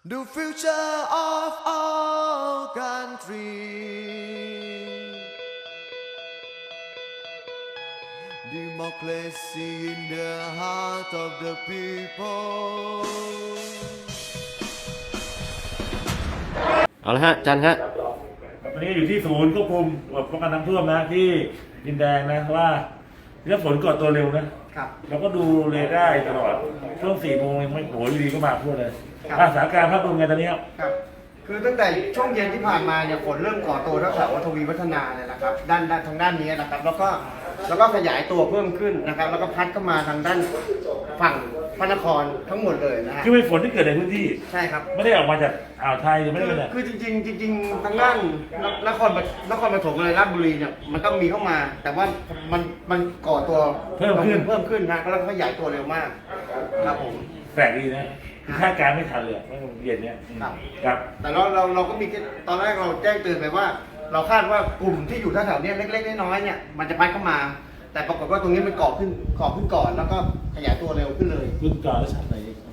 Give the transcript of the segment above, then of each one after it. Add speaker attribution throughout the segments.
Speaker 1: The future of our country Democracy in the heart of the people
Speaker 2: เอาละฮะจันฮะ
Speaker 3: วันนี้อยู่ที่ศูนย์ควบคุมป้องกันน้ำท่วมนะที่ดินแดงนะว่าถ้าฝนก่อตัวเร็วนะครับเราก็ดูเรดาร์ตลอดช่วง4 โมงยังไม่โหอยู่ดีก็มาพูดเลยสถานการณ์ภาพรวมไงตอนนี้
Speaker 4: ครับคือตั้งแต่ช่วงเย็นที่ผ่านมาเนี่ยฝนเริ่มก่อตัวแถวทวีวัฒนาเนี่ยนะครับด้านทางด้านนี้นะครับแล้วก็ขยายตัวเพิ่มขึ้นนะครับแล้วก็พัดเข้ามาทางด้านฝั่งพระนครทั้งหมดเลยนะฮะ
Speaker 3: คือเป็นฝนที่เกิดในพื้นที่
Speaker 4: ใช่ครับ
Speaker 3: ไม่ได้ออกมาจากอ่าวไทยหรือไม่ได้เป็น
Speaker 4: คือจริงทางด้านนครปฐมเลยราชบุรีเนี่ยมันก็มีเข้ามา แต่ว่ามันก่อตัวเพิ่มขึ้นนะแล้วก็ขยายตัวเร็วมากครับผม
Speaker 3: แปลกดีนะคาดการณ์ไม่ทันเลยเมื่อเย็นเนี้ยครับ
Speaker 4: แต่เราก็มีตอนแรกเราแจ้งเตือนไปว่า เราคาดว่ากลุ่มที่อยู่แถวๆนี้เล็กๆน้อยๆเนี่ยมันจะพัดเข้ามา แต่ปรากฏว่าตรงนี้มันก่อขึ้นก่อนแล้วก็ขยายตัวเร็วขึ้นเลย
Speaker 3: ขึ้นก่อนแล้วชัดไหน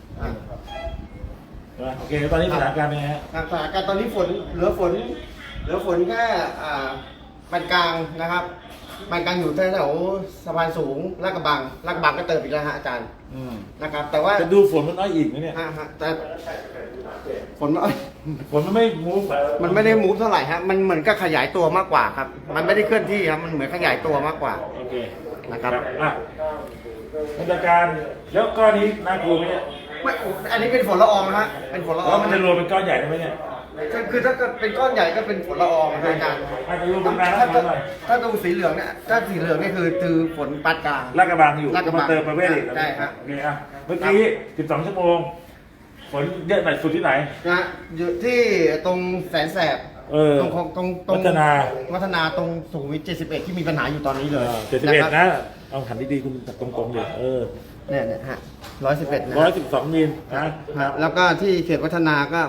Speaker 3: โอเคตอนนี้สถานการณ์เป็นไงฮะ
Speaker 4: สถานการณ์ตอนนี้เหลือฝนแค่ปานกลางนะครับปานกลางอยู่แถวสะพานสูงลาดกระบังก็เติมอีกแล้วฮะอาจารย์นะครับแต่ว่า
Speaker 3: จะดูฝนมันน้อยอีกไหมเนี่ย
Speaker 4: แต่ฝน
Speaker 3: มันไม่มูฟ
Speaker 4: มันไม่ได้มูฟเท่าไหร่ฮะมันเหมือนกับขยายตัวมากกว่าครับมันไม่ได้เคลื่อนที่ครับมันเหมือนขยายตัวมากกว่า
Speaker 3: โอเค
Speaker 4: นะครับ
Speaker 3: มาตรการแล้วก้อนนี้น่ากลัวไหมเนี่ย
Speaker 4: ไม่อันนี้เป็นฝนละอองนะฮะเป็นฝนละออง
Speaker 3: แล้วมันจะรวมเป็นก้อนใหญ่ได้ไหมเนี่ย
Speaker 4: คือถ้าเกิดเป็นก้อนใหญ่ก็เป็นฝนละอองอาจารย์ถ้าตรงสีเหลืองเนี่ยถ้าสีเหลืองนี่คือฝนปานกลาง
Speaker 3: ลาดกระบังอยู่มาเติมประเวศอีก
Speaker 4: ใช่ครับ
Speaker 3: โอเคเมื่อกี้12 ชั่วโมงฝนเยอะหน่อยสุดที่ไหน
Speaker 4: นะอยู่ที่ตรงแสนแสบตรงวัฒนาตรงสุขุมวิท71ที่มีปัญหาอยู่ตอนนี้เลย
Speaker 3: 71นะเอาหันดีๆคุณตรงๆเลย
Speaker 4: เนี่ยฮะ111นะ
Speaker 3: 112 มิลนะ
Speaker 4: แล้วก็ที่เขตวัฒนาก็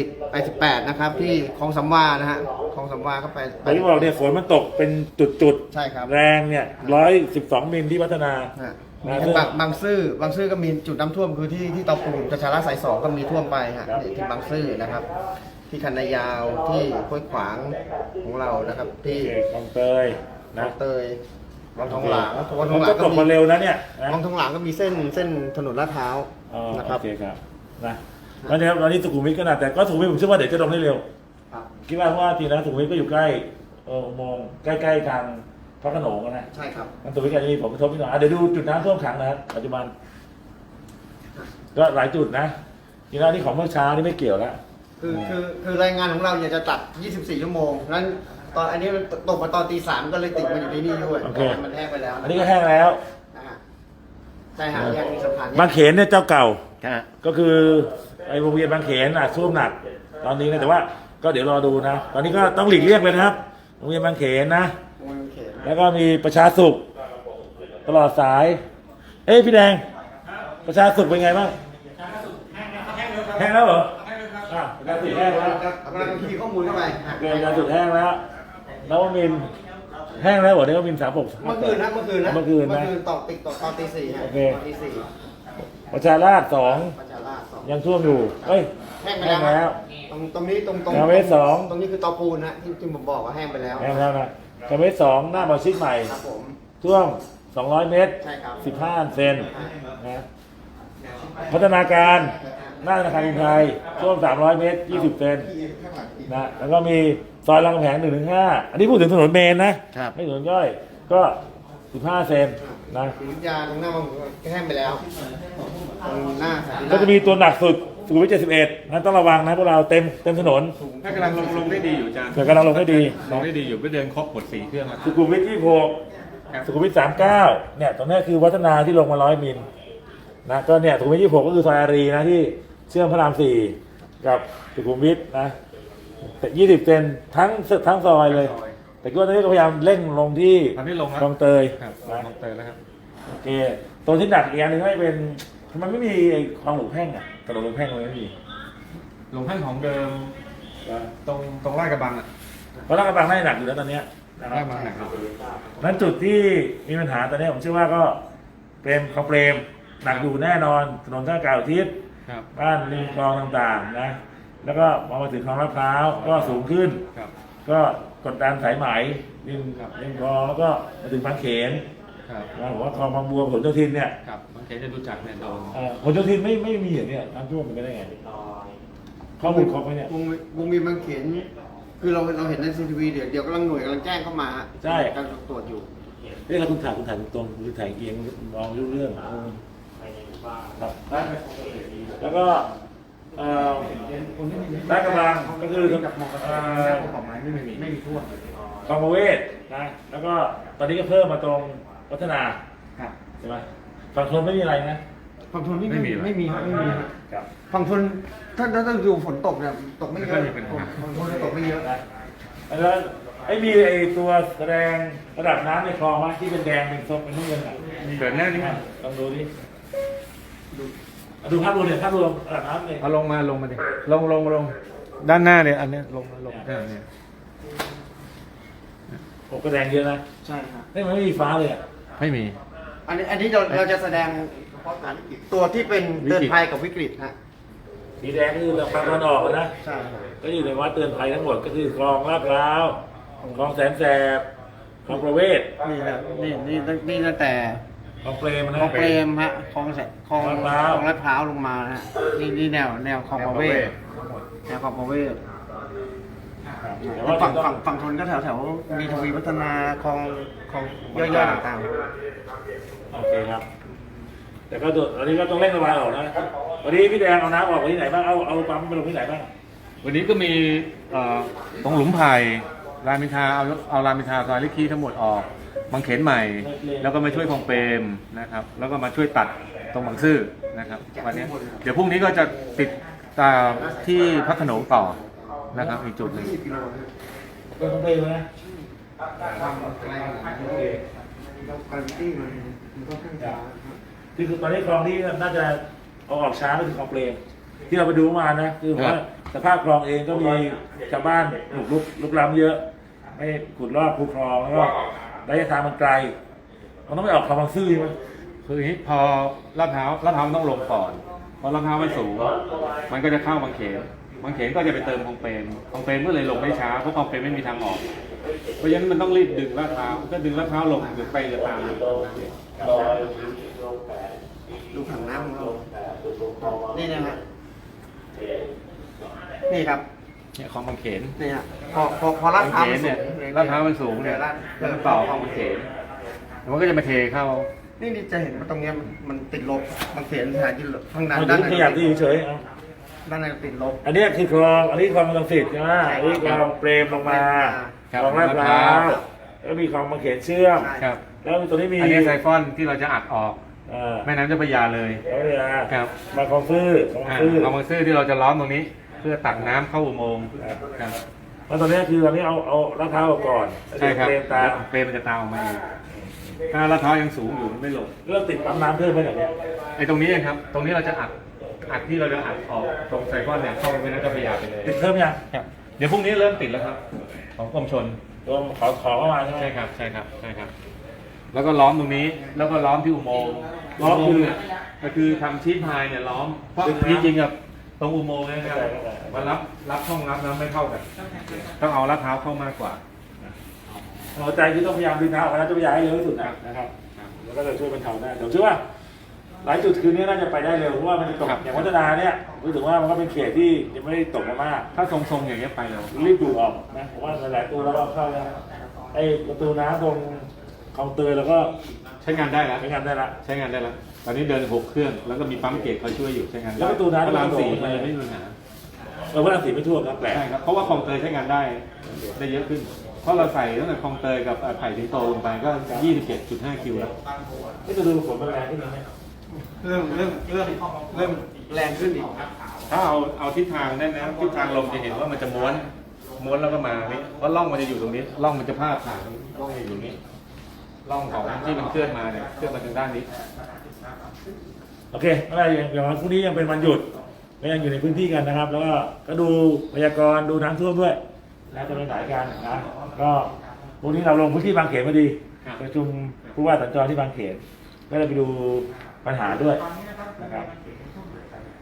Speaker 4: 88นะครับที่คลองสำวานะฮะคลองสำวาก็ไป
Speaker 3: ที่บอกเนี่ยฝนมันตกเป็นจุด
Speaker 4: ใช่ครับ
Speaker 3: แรงเนี่ย112 มิลที่วัฒนา
Speaker 4: บางซื่อก็มีจุดน้ำท่วมคือที่เตาปูนประชาราษฎร์สาย 2ก็มีท่วมไปฮะที่บางซื่อนะครับที่คันนายาวที่ห้วยขวางของเรานะครับที่
Speaker 3: คลองเตย
Speaker 4: นะเตยวังทองหลาง
Speaker 3: ก็ตกมาเร็วนะเนี่ย
Speaker 4: วังทองหลางก็มีเส้นถนนลาดพร้าวนะครับ
Speaker 3: โอเคครับนะแล้วเนี่ยตอนนี้สุขุมวิทก็น่าแต่ก็สุขุมวิทผมเชื่อว่าเดี๋ยวจะลงได้เร็วคิดว่าเพราะว่าทีนั้นสุขุมวิทก็อยู่ใกล้มองใกล้ๆทางพระโขนงนะ
Speaker 4: ใช่ครับ
Speaker 3: มันสุขุมวิทก็จะมีผลกระทบนิดหน่อยเดี๋ยวดูจุดน้ำท่วมขังนะครับปัจจุบันก็หลายจุดนะทีนั้นนี่ของเมื่อเช้านี่ไม่เกี่ยวแล้ว
Speaker 4: คือรายงานของเราเนี่ยจะตัด24 ชั่วโมงนั้นตอนอันนี้มันตกมาตอนตี 3ก็เลยติดมาอยู่ที่นี่ด้วยมันแห้งไปแล้ว
Speaker 3: อันนี้ก็แห้งแล้ว
Speaker 4: ใช่ฮะยังมีสะพาน
Speaker 3: บางเขนเนี่ยเจ้าเก่าก็คือไอ้โรงเรียนบางเขนท่วมหนักตอนนี้นะแต่ว่าก็เดี๋ยวรอดูนะตอนนี้ก็ต้องหลีกเลี่ยงเลยนะครับโรงเรียนบางเขนนะแล้วก็มีประชาสุขตลอดสายพี่แดงประชาสุขเป็นไงบ้างแห้งแล้วเหรอประชาสุขแห้งแล้ว
Speaker 4: กำลังคีย์ข้อมูลเข้าไป
Speaker 3: ประชาสุขแห้งแล้วนวมินแห้งแล้วเหรอนวมิน36
Speaker 4: เมื่อคืนตอกตอนตี 4
Speaker 3: โอเคประชาราษฎร์2ยังท่วมอยู่
Speaker 4: แห้งไปแล้วตรงนี้ตรง
Speaker 3: เวส2
Speaker 4: ตรงนี้คือตอปูนนะที่ผมบอกว่าแห้งไปแล้ว
Speaker 3: แห้งแล้วนะเวส2หน้าบอชิดใหม่ท่วม200 เมตร15 เซนนะพัฒนาการหน้าธนาคารกรุงไทยท่วม300 เมตร20 เซนนะแล้วก็มีซอยรามคำแหง 1-5 อันนี้พูดถึงถนนเมนนะไม่ถนนย่อยก็15 เซนนะ
Speaker 4: ยาตรงหน้ามันแห้งไปแล้วตรงหน้า
Speaker 3: ก็จะมีตัวหนักสุดสุขุมวิท71นั้นต้องระวังนะพวกเราเต็มถนน
Speaker 5: กำลังลงได้ดีอยู่อาจารย์
Speaker 3: กำลังลงได้ดี
Speaker 5: อยู่ไม่เดินครบหมด4 เครื่อง
Speaker 3: สุขุมวิท26สุขุมวิท39เนี่ยตรงนี้คือวัฒนาที่ลงมา100 มิลนะก็เนี่ยสุขุมวิท26ก็คือซอยอารีนะที่เชื่อมพระราม4กับสุขุมวิทนะแต่20 เซนทั้งซอยเลยแต่ก็ตอนนี้ก็พยายามเร่งลงที่คลองเตย
Speaker 5: คลองเตยแล้วครับ
Speaker 3: โอเคตรงที่หนักอีกอย่างนึงให้เป็นมันไม่มีคลองหลวงแพ่งถนนหลวงแพ่งเลยไม่มี
Speaker 5: หลวงแพ่งของเดิมตรงลาดกระบัง
Speaker 3: เพราะลาดกระบังน่าหนักอยู่แล้วตอนนี้
Speaker 5: ลาดกระบังหนัก
Speaker 3: นั้นจุดที่มีปัญหาตอนนี้ผมเชื่อว่าก็เป็นคลองเปรมหนักอยู่แน่นอนถนนท่าเก่าทิศ
Speaker 5: ครับ
Speaker 3: บ้านริมคลองต่างๆนะแล้วก็พอมาถึงคลองลาดพร้าวก็สูงขึ้น
Speaker 5: ครับ
Speaker 3: ก็กดดันสายไหมริมคลองแล้วก็มาถึงบางเขน
Speaker 5: ครับ
Speaker 3: นะผมว่าคลองบางบัวผลโยธินเนี่ย
Speaker 5: ครับบางเขนจะรู้จักเนี่ยโดน
Speaker 3: ผลโยธินไม่มีอย่างเนี้ยน้ำท่วมมันไปได้ไงข้อมูลครบไหมเนี่ยว
Speaker 4: งมีบางเขนคือเราเห็นในซีทีวีเดี๋ยวกำลังหน่วยกำลังแจ้งเข้ามาการตรวจอยู่
Speaker 3: เรื่องคุณถ่ายตรงคุณถ่ายเอียงมองรู้เรื่องครับแล้วก็ลาดกระบังก็คือ
Speaker 5: ของไม้ไม่มีท่วม
Speaker 3: คลองประเวศนะแล้วก็ตอนนี้ก็เพิ่มมาตรงพัฒนา
Speaker 4: ครับ
Speaker 3: ใช่ไหมฝั่งทนไม่มีอะไรนะ
Speaker 4: ฝั่งทนไม่มีครับ
Speaker 3: ครับ
Speaker 4: ฝั่งทนถ้าดูฝนตกเนี่ยตกไม่เยอะฝั่งทนตกไม่เยอะ
Speaker 3: แล้วมีไอตัวแสดงระดับน้ำในคลองมั้ยที่เป็นแดงเป็นส้มเป็นน้ำเงินอ่ะ
Speaker 5: เกิดแน่นี่มั้ย
Speaker 3: ลองดูดิดูภาพรวมเนี่ยภาพรวมระดับน้ำเลย
Speaker 5: เอาลงมาดิลงด้านหน้าเนี่ยอันเนี้ยลงเนี่ย
Speaker 3: โอ้ก็แดงเยอะนะ
Speaker 4: ใช่ครับ
Speaker 3: มันไม่มีฟ้าเลยอ่ะ
Speaker 5: ไม่มี
Speaker 4: อันนี้เราจะแสดงเฉพาะการวิกฤตตัวที่เป็นเตือนภัยกับวิกฤตนะ
Speaker 3: สีแดงก็คือฝั่งตะวันออกนะ
Speaker 4: ใช่ครับ
Speaker 3: ก็อยู่ในวัดเตือนภัยทั้งหมดก็คือคลองลาดพร้าวคลองแสนแสบคลองประเวศ
Speaker 4: นี่ครับนี่ตั้งแต่
Speaker 3: คลองเปรมนะ
Speaker 4: คลองเปรมฮะคลองลาดพร้าวลงมานะฮะนี่แนวคลองประเวศแนวคลองประเวศ
Speaker 3: แต่ว่า
Speaker 4: ฝั่งทนก็แถวมีทวีวัฒนาคลองย่อยๆต่าง
Speaker 3: โอเคครับ แต่ก็ตอนนี้ก็ต้องเร่งระบายออกนะวันนี้พี่แดงเอาน้ำออกไปที่ไหนบ้างเอาปั๊มไปลงที่ไหนบ้าง
Speaker 5: วันนี้ก็มีตรงหลุมไผ่รามอินทราเอารามอินทราซอยลิคีทั้งหมดออกบางเขนใหม่ แล้วก็มาช่วยคลองเปรมนะครับแล้วก็มาช่วยตัดตรงบางซื่อนะครับวันนี้เดี๋ยวพรุ่งนี้ก็จะติดตามที่พัฒโขนงต่อนะครับอีกจุดหนึ่ง
Speaker 4: 20 กิโลนะ
Speaker 3: ก็ต้องไปนะ
Speaker 4: ความไกลขนาดนี้เราการวิตี้มันก็ขึ้นช้า
Speaker 3: คือตอนนี้คลองที่น่าจะเอาออกช้าก็คือคลองเปรมที่เราไปดูมานะคือว่าสภาพคลองเองก็มีชาวบ้านลุกล้ำเยอะไม่ขุดลอกคูคลองแล้วก็ระยะทางมันไกลมันต้องไปออกคลองบางซื่อใช่ไหม
Speaker 5: คืออย่างนี้พอลาดพร้าวมันต้องลงก่อนพอลาดพร้าวมันสูงมันก็จะเข้าบางเขนก็จะไปเติมคลองเปรมก็เลยลงได้ช้าเพราะคลองเปรมไม่มีทางออกเพราะฉะนั้นมันต้องรีบดึงลาดพร้าวก็ดึงลาดพร้าวลงหรือไปจะตาม
Speaker 4: ดูผังน้ำของเรานี่นะฮะนี่ครับ
Speaker 5: เนี่ยคลองบางเขน
Speaker 4: นี่ฮะพอลาดพร้าวมันสู
Speaker 5: เนี่ย
Speaker 4: ง
Speaker 5: ลาดพร้าวมันสูงเนี่ยแล้วมันต่อคลองบางเขนแล้วมันก็จะมาเทเข้า
Speaker 4: นี่จะเห็นว่าตรงเนี้ยมันติดลบบางเขนสถานที่ทางด้าน
Speaker 3: มัน
Speaker 4: ด้าน
Speaker 3: ขยับที่เฉยๆเอา
Speaker 4: ด้านในติดลบ
Speaker 3: อันนี้คือคลองอันนี้คลองลังสิตใช่ไหมอันนี้คลองเปรมลงมา
Speaker 5: ครับ
Speaker 3: คลองลาดพร้าวแล้วมีคลองบางเขนเชื่อม
Speaker 5: ครับ
Speaker 3: แล้วตัวนี้มี
Speaker 5: อันนี้ไซฟอนที่เราจะอัดออก
Speaker 3: แม่
Speaker 5: แม่น้ำเจ้าพระยาเลย
Speaker 3: แล้วเนี่ย
Speaker 5: ครับ
Speaker 3: มาคลองซื่อคลองซื่อ
Speaker 5: เอาบางซื่อที่เราจะล้อมตรงนี้ เพื่อตักน้ำเข้าอุโมงค์ครับ
Speaker 3: แล้วตอนนี้คือตอนนี้เอาลาดพร้าวออกก่อน
Speaker 5: ใช่ครับ
Speaker 3: เปรมตาม
Speaker 5: เปรมมันจะตามออกมาเองถ้าลาดพร้าวยังสูงอยู่มันไม่ลง
Speaker 3: เริ่มติดปั๊มน้ำเพิ่มไปแบบเนี้ย
Speaker 5: ไอ้ตรงนี้เองครับ ตรงนี้เราจะอัดที่เราจะอัดออกตรงไซฟอนเนี่ยเข้าไปแม่น้ำเจ้าพระยาไปเลย
Speaker 3: ติดเพิ่มยัง
Speaker 5: ครับเดี๋ยวพรุ่งนี้เริ่มติดแล้วครับ ของกรมชล
Speaker 3: รวมขอเข้ามาใช่ไหม
Speaker 5: ใช่ครับ แล้วก็ล้อมตรงนี้ แล้วก็ล้อมที่อุโมงค์ล้อมคือก็คือทำชีทพายเนี่ยล้อม เพราะจริงๆกับตรงอุโมงค์เนะครับมันรับช่องรับน้ำไม่เข้ากัน ต้องเอาลาดพร้าวเข้ามากกว่า
Speaker 3: หัวใจคือต้องพยายามดึงน้ำออกมาจะพยายามให้เร็วที่สุดนะครับแล้วก็จะช่วยบรรเทาได้เดี๋ยวเชื่อว่าหลายจุดคืนนี้น่าจะไปได้เร็วเพราะว่ามันจะตก
Speaker 5: ครับ
Speaker 3: อย่างวัฒนาเนี่ยรู้สึกว่ามันก็เป็นเขตที่ยังไม่ได้ตกมามาก
Speaker 5: ถ้าทรงๆอย่างเงี้ยไปแล้ว
Speaker 3: รีบดูดออกนะผมว่าหลายๆตัวแล้วก็เข้าแล้วไอ้ประตูน้ำตรงคลองเตยแล้วก็
Speaker 5: ใช้งานได้แล้ว
Speaker 3: ใช้งานได้ละ
Speaker 5: ใช้งานได้แล้ว ตอนนี้เดิน6 เครื่อง แล้วก็มีปั๊มเกจคอยช่วยอยู่ใช้งานได้
Speaker 3: แล้วประตูน้ำ
Speaker 5: พระราม
Speaker 3: ก็
Speaker 5: 4
Speaker 3: โดด
Speaker 5: มันยังไม่มีปัญหา
Speaker 3: พระราม4ไม่ท่วมนะแปลก
Speaker 5: ใช่ครับ เพราะว่าคลองเตยใช้งานได้เยอะขึ้น เพราะเราใส่ตั้งแต่คลองเตยกับไผ่สิงโตลงไปก็ 27.5 คิวแล้ว
Speaker 3: นี่จะดูฝนมันแรงขึ้นไหม
Speaker 4: เริ่มแรงขึ้นอีก
Speaker 5: ถ้าเอาทิศทางได้นะทิศทางลมจะเห็นว่ามันจะม้วนแล้วก็มานี่เพราะร่องมันจะอยู่ตรงนี้ร่องมันจะพาดผ่านร่องอยู่ตรงนี้ร่องของที่มันเคลื่อนมาเนี่ยเคลื่อนมาทางด้านนี้
Speaker 3: โอเคอะไรอย่างพรุ่งนี้ยังเป็นวันหยุดก็ยังอยู่ในพื้นที่กันนะครับ แล้วก็ดูพยากรณ์ดูน้ำท่วมด้วยนะจะไปไหนกันนะก็พรุ่งนี้เราลงพื้นที่บางเขนพอดีประชุมผู้ว่าสัญจรที่บางเขนก็เลยไปดูปัญหาด้วยนะครับ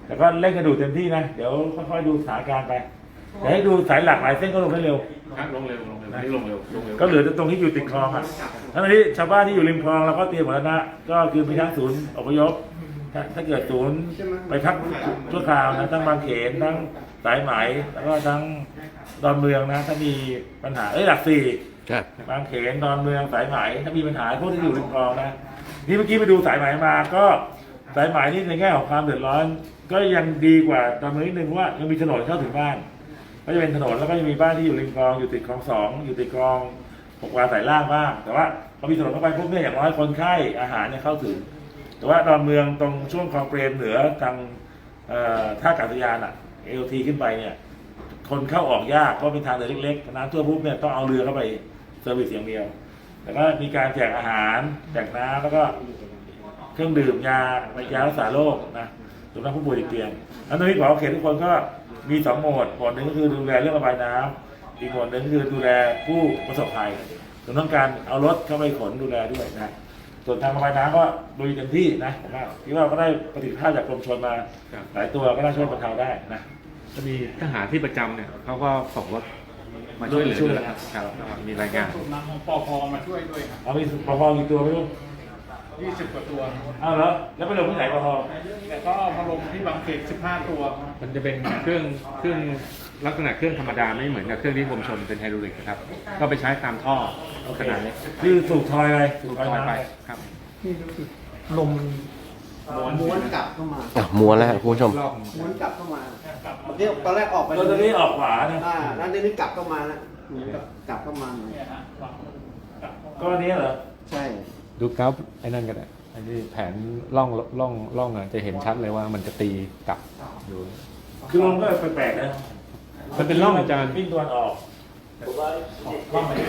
Speaker 3: แต่ก็เร่งกระดูเต็มที่นะเดี๋ยวค่อยๆดูสถานการณ์ไปเดี๋ยวให้ดูสายหลักหลายเส้นก็ลงได้เร็ว
Speaker 5: ครับลงเร็วนี่ลงเร็ว
Speaker 3: ก็เหลือแต่ตรงที่อยู่ติดคลองอ่ะทั้งนี้ชาวบ้านที่อยู่ริมคลองเราก็เตรียมหมดแล้วนะก็คือมีทั้งศูนย์อพยพถ้าเกิดศูนย์ไปพักชั่วคราวนะทั้งบางเขนทั้งสายไหมแล้วก็ทั้งดอนเมืองนะถ้ามีปัญหาหลักสี่
Speaker 2: ครับ
Speaker 3: บางเขนดอนเมืองสายไหมถ้ามีปัญหาพวกที่อยู่ริมคลองนะนี่เมื่อกี้ไปดูสายไหมมาก็สายไหมนี่ในแง่ของความเดือดร้อน ก็ยังดีกว่าดอนเมืองนิดนึงว่ายังมีถนนเข้าถึงบ้าน ก็จะเป็นถนนแล้วก็จะมีบ้านที่อยู่ริมคลองอยู่ติดคลอง2อยู่ติดคลอง6 วาสายล่างบ้างแต่ว่าพอมีถนนเข้าไปพวกนี้อย่างน้อยคนไข้อาหารเนี่ยเข้าถึง แต่ว่าดอนเมืองตรงช่วงคลองเปรมเหนือทางท่าอากาศยานเอลทีขึ้นไปเนี่ยคนเข้าออกยากเพราะเป็นทางเดินเล็กๆน้ำท่วมปุ๊บเนี่ยต้องเอาเรือเข้าไปเซอร์วิสอย่างเดียวแต่ก็มีการแจกอาหารแจกน้ำแล้วก็เครื่องดื่มยารักษาโรคนะสำหรับผู้ป่วยติดเตียงแล้วตอนนี้ขอเขตทุกคนก็มี2 โหมดหนึ่งก็คือดูแลเรื่องระบายน้ำอีกโหมดหนึ่งก็คือดูแลผู้ประสบภัยเราต้องการเอารถเข้าไปขนดูแลด้วยนะส่วนทางระบายน้ำก็ลุยเต็มที่นะผมว่าคิดว่าก็ได้ประสิทธิภาพจากกรมชลมาหลายตัวก็น่าช่วยบรรเทาได้นะ
Speaker 5: จะมีทหารที่ประจำเนี่ยเขาก็ส่งรถมาช่วยเหลือด้วยครับมีรายงาน
Speaker 6: นำของปพมาช่วยด้วยครับ
Speaker 3: เอามีปภกี่ตัวไม่รู้
Speaker 6: 20 กว่าตัว
Speaker 3: เอาเหรอแล้วไปลงที่ไหนปภ
Speaker 6: แต่ก็มาลงที่บางเขต15 ตัว
Speaker 5: มันจะเป็นเครื่องลักษณะเครื่องธรรมดาไม่เหมือนกับเครื่องที่กรมชลเป็นไฮดรอลิกนะครับก็ไปใช้ตามท่อขนาดเล็ก
Speaker 3: คือสูบทอยอะไรสูบทอย
Speaker 5: ลอย
Speaker 3: น้ำ
Speaker 5: ไป
Speaker 3: ไป
Speaker 5: ครับ
Speaker 4: นี่รู้สึกลมม้วนกลับเข้ามา
Speaker 2: ม้วนแล้วครับคุณผู้ชม
Speaker 5: รอบ
Speaker 4: ม้วนกลับเข้ามาเดี๋ยวตอนแรกออกไป
Speaker 3: ตัวนี้ออกขวานะ
Speaker 4: แล้วนี่กลับเข้ามาแล้วเหมือนกับกลับเข้ามาหน่อย
Speaker 3: ก็อันนี้เหรอ
Speaker 4: ใช่
Speaker 5: ดูกราฟไอ้นั่นก็ได้ไอ้นี่แผนล่องจะเห็นชัดเลยว่ามันจะตีกลับอยู่
Speaker 3: คือลมก็แปลกๆนะ
Speaker 5: มันเป็นร่องอาจารย์
Speaker 3: วิ่งตัวนออกร่องไหน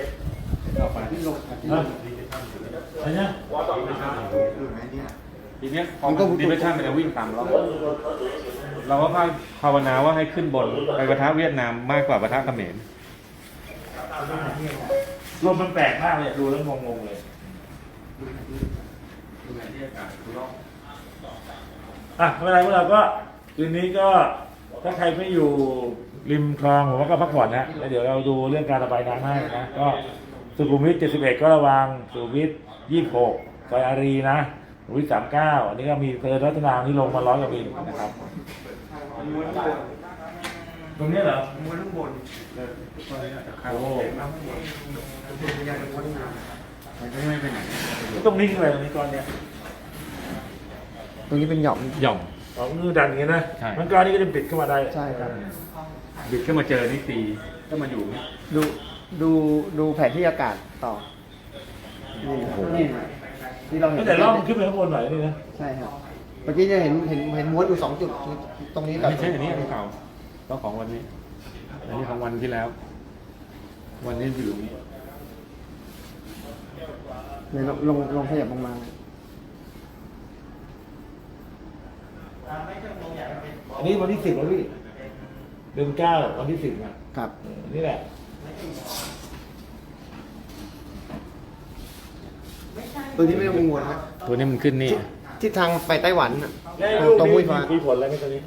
Speaker 3: นะอันเนี้ย
Speaker 5: ทีเนี้ยพอดิเมชั่นมันจะวิ่งตามร่องเราก็ภาวนาว่าให้ขึ้นบนไปปะทะเวียดนามมากกว่าปะทะเขมร
Speaker 3: ลมมันแปลกมากเลยดูแล้วงงๆเลยอ่ะไม่เป็นไรพวกเราก็คืนนี้ก็ถ้าใครไม่อยู่ริมคลองผมว่าก็พักผ่อนนะแล้วเดี๋ยวเราดูเรื่องการระบายน้ำให้นะก็สุขุมวิท71ก็ระวังสุขุมวิท26ซอยอารีนะสุขุมวิท39อันนี้ก็มีเพลินรัตนาที่ลงมา100 กว่ามิลนะครับตรงนี้เหรอ
Speaker 4: ม้วนข้างบน
Speaker 3: โอ้
Speaker 4: ยังม้วนน้
Speaker 3: ตรงนี้คืออะไรตรงนี้ก้อนเนี้ย
Speaker 4: ำตรงนี้เป็นหย่อม
Speaker 5: หย่อม
Speaker 3: อ๋อมือดันอย่างเงี้ยนะ
Speaker 5: ใช่
Speaker 3: มันก้อนนี้ก็จะปิดเข้ามาได้
Speaker 4: ใช่ครับ
Speaker 5: บิดขึ้นมาเจอนี่ตีก็มาอยู่นี่
Speaker 4: ดูแผนที่อากาศต่อนี่ที่เราเห็น
Speaker 3: แต่ร่องขึ้นไปข้างบนหน่อยนี่นะ
Speaker 4: ใช่ครับเมื่อกี้จะเห็นม้วนอยู่2 จุดตรงนี้กับ
Speaker 5: ไม่ใช่อันนี้ของเก่าก็ของวันนี้ อันนี้ของวันที่แล้ว วันนี้อยู่ตรงนี้
Speaker 4: เนี่ยลงขยับลงมา
Speaker 3: อันนี้วันที่10แล้วพี่เดือน9วันที่10นะครับ นี่แหละ
Speaker 4: ตัวนี้ไม่ต้องกังวลครับ
Speaker 5: ตัวนี้มันขึ้นนี่
Speaker 4: ทิศทางไปไต้หวันน่ะ
Speaker 3: แล้ว
Speaker 4: ตรงมุ้ยฟ้า
Speaker 3: มีผลอะไรไหมตอนนี้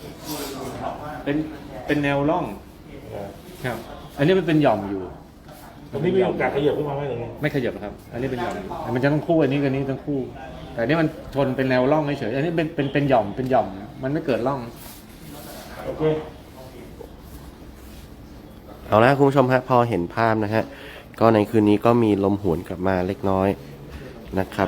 Speaker 5: เป็นแนวร่องครับ อันนี้มันเป็นหย่อมอยู่
Speaker 3: ตรงนี้มีโอกาสขยับขึ้นมาไหมตรงนี้
Speaker 5: ไม่ขยับหรอกครับ อันนี้เป็นหย่อมอยู่มันจะต้องคู่อันนี้กับนี้ต้องคู่ แต่อันนี้มันชนเป็นแนวร่องเฉยๆอันนี้เป็นหย่อมเป็นหย่อม มันไม่เกิดร่อง
Speaker 3: โอเค
Speaker 2: เอาละคุณผู้ชมฮะพอเห็นภาพนะฮะก็ในคืนนี้ก็มีลมหวนกลับมาเล็กน้อยนะครับ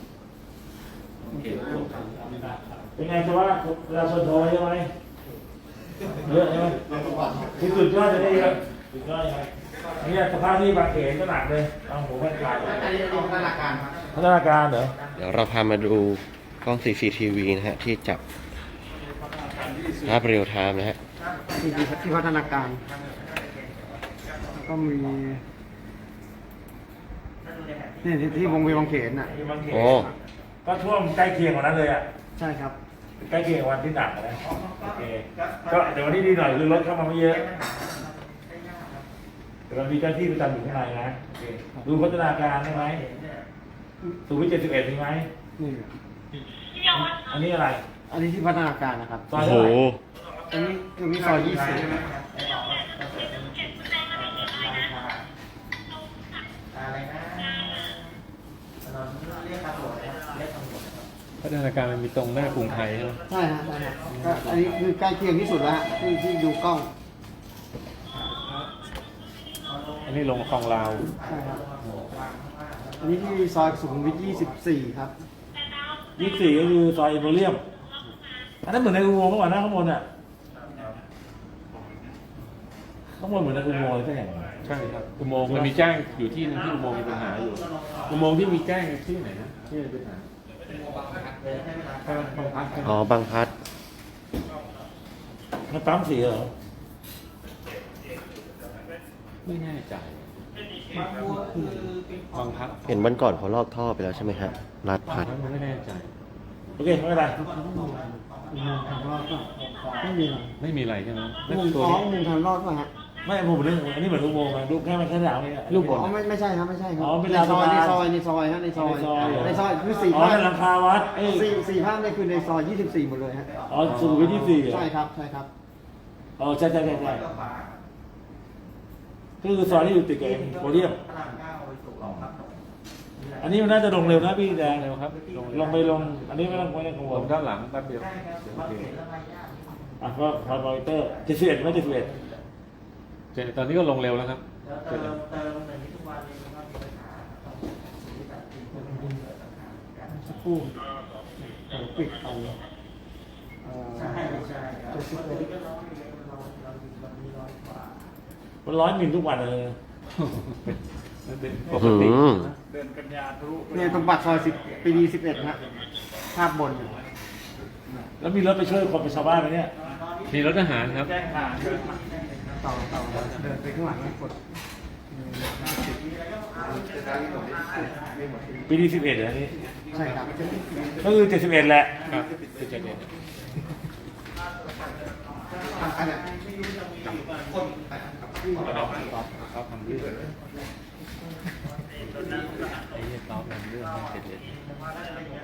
Speaker 3: เป็นไงจะว่าประชาชนโทรใช่ไหมเยอะใช่ไหมที่สุดยอดจะได้เยอะสุดยอดใช่ไหมเนี่ยสภาพที่บางเขนก็หนักเลยเอาหัวแม่กลาย
Speaker 4: อันนี้เป็นพัฒนาการครับ
Speaker 3: พัฒนาการเหรอ
Speaker 2: เดี๋ยวเราพามาดูกล้อง CCTV นะฮะที่จับภาพเรียลไทม์นะฮะ
Speaker 4: ที่พัฒนาการแล้วก็มีนี่ที่วงเวียนบางเขนน่ะ
Speaker 3: ที่บางเขน
Speaker 2: โอ้
Speaker 3: ก็ท่วมใกล้เคียงกว่านั้นเลยอ่ะ
Speaker 4: ใช่ครับ
Speaker 3: ใกล้เคียงกับวันที่หนักนะโอเคก็เดี๋ยววันนี้ดีหน่อยคือรถเข้ามาไม่เยอะแต่เรามีเจ้าที่ประจำอยู่ข้างในนะโอเคดูพัฒนาการได้ไหมสุขุมวิท71มีไหม
Speaker 4: นี่
Speaker 3: อันนี้อะไร
Speaker 4: อันนี้ที่พัฒนาการนะครับ
Speaker 3: ซอย
Speaker 2: โอ้โห
Speaker 3: เท่าไหร่
Speaker 4: อันนี้คือมีซอย20
Speaker 5: พัฒนาการมันมีตรงหน้ากรุงไทยใช่ไหม
Speaker 4: ใช่ฮะใช่ฮะก็อันนี้คือใกล้เคียงที่สุดแล้วฮะที่ดูกล้อง
Speaker 5: อันนี้ลงคลองลาว
Speaker 4: ใช่ครับอันนี้ที่ซอยสุขุมวิท24 ครับ
Speaker 3: 24ก็คือซอยเอเวอเรียมอันนั้นเหมือนในอุโมงค์เมื่อวานนะข้างบนอ่ะข้างบนเหมือนในอุโมงค์เลยใช่ไหม
Speaker 5: ใช่ครับอุโมงค์มันมีแจ้งอยู่ที่นึงที่อุโมงค์มีปัญหาอยู่อุโมงค์ที่มีแจ้งที่ไหนนะที่มีปัญหาบางพัด
Speaker 2: อ๋อบางพลัด
Speaker 3: มันปั๊มสีเหรอ
Speaker 5: ไม่แน่ใจบางพัด
Speaker 2: เห็นวันก่อนเขาลอกท่อไปแล้วใช่ไหมฮะลาดพัด
Speaker 5: มันไม่แน่ใจ
Speaker 3: โอเคไม่เป็นไร
Speaker 4: อุโมงค์ทางรอดก็ไม่มีหรอก
Speaker 5: ไม่มีอะไรใช่ไหม
Speaker 4: อุโมงค์ท้องอุโมงค์ทางรอดป่ะฮะ
Speaker 3: ไม่ผมเรื่องอันนี้เหมือนอุโมงค์อะรูปแค่มันแค่หนาวเนี่ย
Speaker 5: รูปบน
Speaker 4: อ๋อไม่ใช่ครับไม่ใช่ครับ
Speaker 3: อ๋อเป็น
Speaker 4: ใน
Speaker 3: ลาน
Speaker 4: ซอย
Speaker 3: สะ
Speaker 4: ใน
Speaker 3: พาน
Speaker 4: ซอยในซอยฮะในซอย
Speaker 3: ในซอยเหรอ
Speaker 4: ในซอยคือสี่
Speaker 3: อ๋อ
Speaker 4: ภาพ
Speaker 3: ในหลังคาวัดเอ้ย
Speaker 4: สี่ภาพเนี่ยคือในซอย24หมดเลยฮะ
Speaker 3: อ๋อสุขุมวิท24เหรอ
Speaker 4: ใช่ครับใช่ครับ
Speaker 3: อ๋อใช่ก็คือซอยที่อยู่ติดกับเอ็มโพเดียมอันนี้มันน่าจะลงเร็วนะพี่แดง
Speaker 5: เร็วครับ
Speaker 3: ลงไปลง อันนี้ไม่ต้องกังว
Speaker 5: ล
Speaker 3: ล
Speaker 5: งด้านหลังแป๊บเดียวโอเค
Speaker 3: อ่ะก็พอมอนิเตอร์71ไม่71
Speaker 5: ตอนนี้ก็ลงเร็วแล้วครับเสร็จแล้ว
Speaker 4: สักครู่เดี๋ยวปิดไป
Speaker 3: มัน100 มิลทุกวันเลย
Speaker 5: นั่นเป็นป
Speaker 2: อื้อก หื
Speaker 5: ติ
Speaker 2: อ
Speaker 6: เดินกันยาทะลุไป
Speaker 4: เนี่ยตรงปากซอย10 ปีดี 11ฮะภาพบนอยู่
Speaker 3: แล้วมีรถไปช่วยคนไปชาวบ้านไหมเนี่ย
Speaker 5: มีรถทหารครับ
Speaker 6: แจ้งผ่านเดินมา
Speaker 4: ต่อเดินไปข้างหลังกด
Speaker 3: ปีที่11เหรออันนี้
Speaker 4: ใช่ครับ
Speaker 3: ก็คือ71แหละ
Speaker 5: ครับคือจะเด่น
Speaker 4: อันเนี้ย
Speaker 5: เขาทำเรื่องไอ้เนี่ยเขาทำเรื่องให้เสร็จ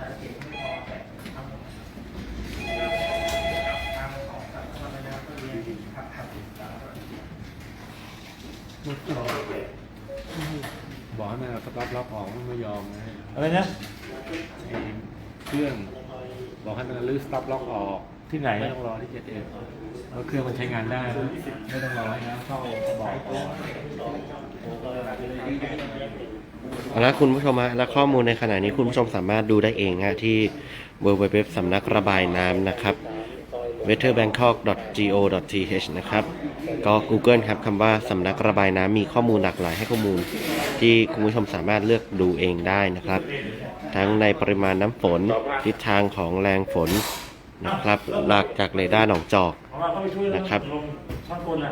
Speaker 5: บอกให้มันเอาสต็อปล็อกออกมันไม่ยอมนะ
Speaker 3: อะไรนะ
Speaker 5: ไอ้เครื่องบอกให้มันรื้อสต็อปล็อกออก
Speaker 3: ที่ไหน
Speaker 5: ไม่ต้องรอที่7 แล้วเครื่องมันใช้งานได้นะไม่ต้องรอให้น้ำเข้าบอกก่อน
Speaker 2: เอาละคุณผู้ชมฮะและข้อมูลในขณะนี้คุณผู้ชมสามารถดูได้เองฮะที่ www สำนักระบายน้ำนะครับ weatherbangkok.go.th นะครับก็ Google ครับคำว่าสำนักระบายน้ำมีข้อมูลหลากหลายให้ข้อมูลที่คุณผู้ชมสามารถเลือกดูเองได้นะครับ ทั้งในปริมาณน้ำฝนทิศทางของแรงฝนนะครับหลักจากเรดาร์หนองจอก
Speaker 3: เพราะว่าเขาไปช่วย
Speaker 2: นะครับ
Speaker 3: ลงช่างกลน่ะ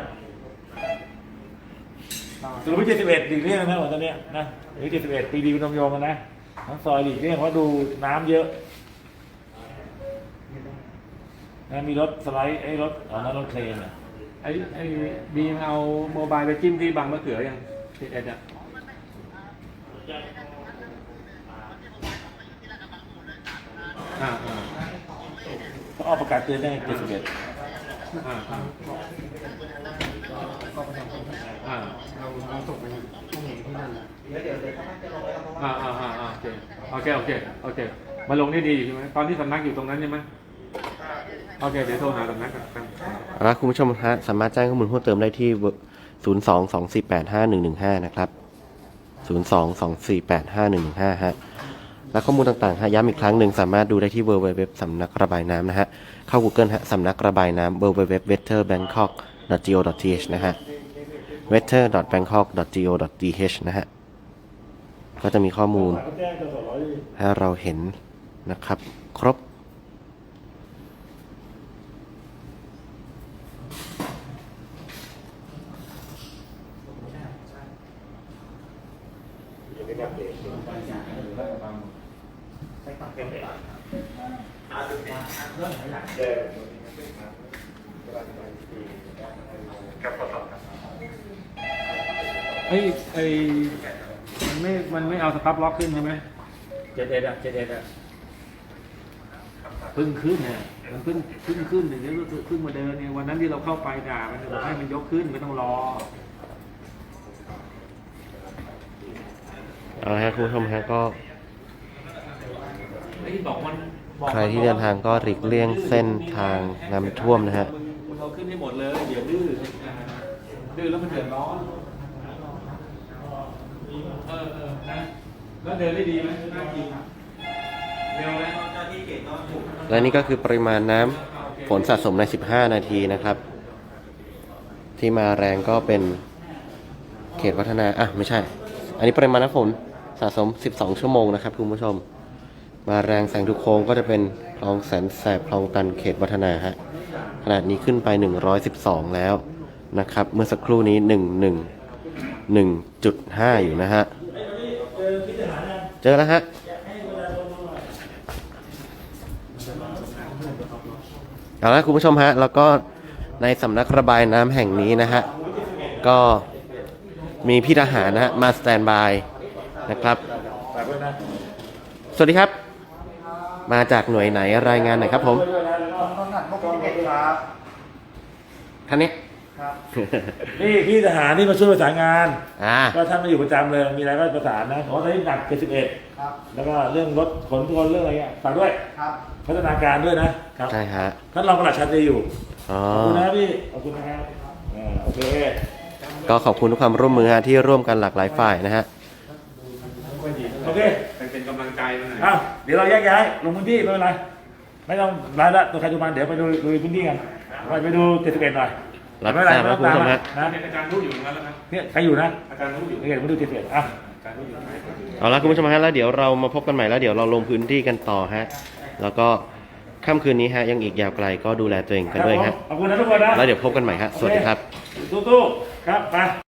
Speaker 3: สรุปว่า71หลีกเลี่ยงนะวันตอนเนี้ยนะหรือ71ปีดีเป็นนมโยงกันนะทั้งซอยหลีกเลี่ยงเพราะดูน้ำเยอะนะมีรถสไลด์ไอ้รถอ๋อนั่นรถเครนอ่ะ
Speaker 5: ไอ้บีมเอาโมบายไปจิ้มที่บางมะเขือยัง11อ่ะอ่า
Speaker 3: เขาออกประกาศเตือนได้71
Speaker 5: อ่าอ่า
Speaker 4: เราส่งไปห้องเห็นที่นั่น
Speaker 5: โอเคมาลงได้ดีอยู่ใช่ไหมตอนที่สำนักอยู่ตรงนั้นใช่ไหมโอเคเดี๋ยวโทรหาสำนักกัน
Speaker 2: เอาละคุณผู้ชมฮะสามารถแจ้งข้อมูลเพิ่มเติมได้ที่ 022485115 นะครับ 022485115 ฮะ และข้อมูลต่างๆฮะย้ำอีกครั้งหนึ่งสามารถดูได้ที่ www สำนักระบายน้ำนะฮะ เข้า Google ฮะสำนักระบายน้ำ www weatherbangkok.go.th นะฮะ weather.bangkok.go.th นะฮะ ก็จะมีข้อมูล
Speaker 3: เขาแจ้งตัวสร้อย
Speaker 2: ให้เราเห็นนะครับ ครบ
Speaker 5: มันไม่เอาสต็อปล็อกขึ้นใช่ไหม
Speaker 3: 71อ่ะ71อ่ะ
Speaker 5: พึ่งขึ้นเนี่ยมันพึ่งขึ้นเดี๋ยวพึ่งมาเดินเนี่ยวันนั้นที่เราเข้าไปด่ามันบอกให้มันยกขึ้นไม่ต้องรอ
Speaker 2: เอาละครับคุณผู้ชมฮะก็
Speaker 5: ไอ้ที่บอกมัน
Speaker 2: ใครที่เดินทางก็หลีกเลี่ยงเส้นทางน้ำท่วมนะฮะ
Speaker 5: มึงเอาขึ้นให้หมดเลยเดี๋ยวดื้อแล้วมันเดือดร้อนนะแล้วเดินได้ดีไหมน่ากินเร็วไหม
Speaker 2: และนี่ก็คือปริมาณน้ำฝนสะสมใน 15 นาทีนะครับ ที่มาแรงก็เป็นเขตวัฒนาไม่ใช่ อันนี้ปริมาณน้ำฝนสะสม 12 ชั่วโมงนะครับคุณผู้ชม มาแรงแสงทุกโค้งก็จะเป็นคลองแสนแสบคลองตันเขตวัฒนาฮะขนาดนี้ขึ้นไป112แล้วนะครับ เมื่อสักครู่นี้1.5 อยู่นะฮะ เจอแล้วฮะ เอาละคุณผู้ชมฮะแล้วก็ในสำนักระบายน้ำแห่งนี้นะฮะก็มีพี่ทหารนะฮะมาสแตนบายนะครับสวัสดีครับมาจากหน่วยไหนรายงานหน่อยครับผม
Speaker 4: ต้นหัดพวกที่เด็กครับ
Speaker 2: ท่านนี้
Speaker 4: ครับ
Speaker 3: นี่พี่ทหารที่มาช่วยประสานงาน
Speaker 2: ก็
Speaker 3: ท่านมาอยู่ประจำเลยมีอะไรก็ประสานนะเพราะตอนนี้หนัก71
Speaker 4: ครับ
Speaker 3: แล้วก็เรื่องรถขนคนเรื่องอะไรเงี้ยฝากด้วย
Speaker 4: ครับ
Speaker 3: พัฒนาการด้วยนะครับ
Speaker 2: ใช่ฮะ
Speaker 3: ท่านรองปลัดชันดีอยู่
Speaker 2: อ๋อ
Speaker 3: ขอบคุณนะพี่ขอบคุณนะครับโอเค
Speaker 2: ก็ขอบคุณทุกความร่วมมือฮะที่ร่วมกันหลากหลายฝ่ายนะฮะ
Speaker 3: โอเค
Speaker 5: เป็นกำลังใจมาหน่อย
Speaker 3: อ้าวเดี๋ยวเราแยกย้ายลงพื้นที่ไม่เป็นไรไม่ต้องรายละตัวใครตัวมันเดี๋ยวไปดูพื้นที่กันไปดู71หน่อย
Speaker 2: รับ
Speaker 3: ไม่เป็นไร
Speaker 2: ทราบ
Speaker 3: ไม่
Speaker 2: นะ
Speaker 3: ต้อง
Speaker 2: คุณผู้ชม
Speaker 3: ตาม
Speaker 2: ฮะ
Speaker 3: นะ
Speaker 5: อาจารย์รู้อยู่งั้นแล้วครับ
Speaker 3: เนี่ยใครอยู่นะ
Speaker 5: อาจารย์รู้อยู่
Speaker 3: นี่มาดู71อ่ะ
Speaker 5: อาจารย์รู้อยู่
Speaker 2: เอาละคุณผู้ชมฮะแล้วเดี๋ยวเรามาพบกันใหม่แล้วเดี๋ยวเราลงพื้นที่กันต่อฮะแล้วก็ค่ำคืนนี้ฮะยังอีกยาวไกลก็ดูแลตัวเองกันด้วยฮะ
Speaker 3: ขอบคุณนะทุกคนนะ
Speaker 2: แล้วเดี๋ยวพบกันใหม่ฮะสวัสดีครับ
Speaker 3: สู้ๆครับไป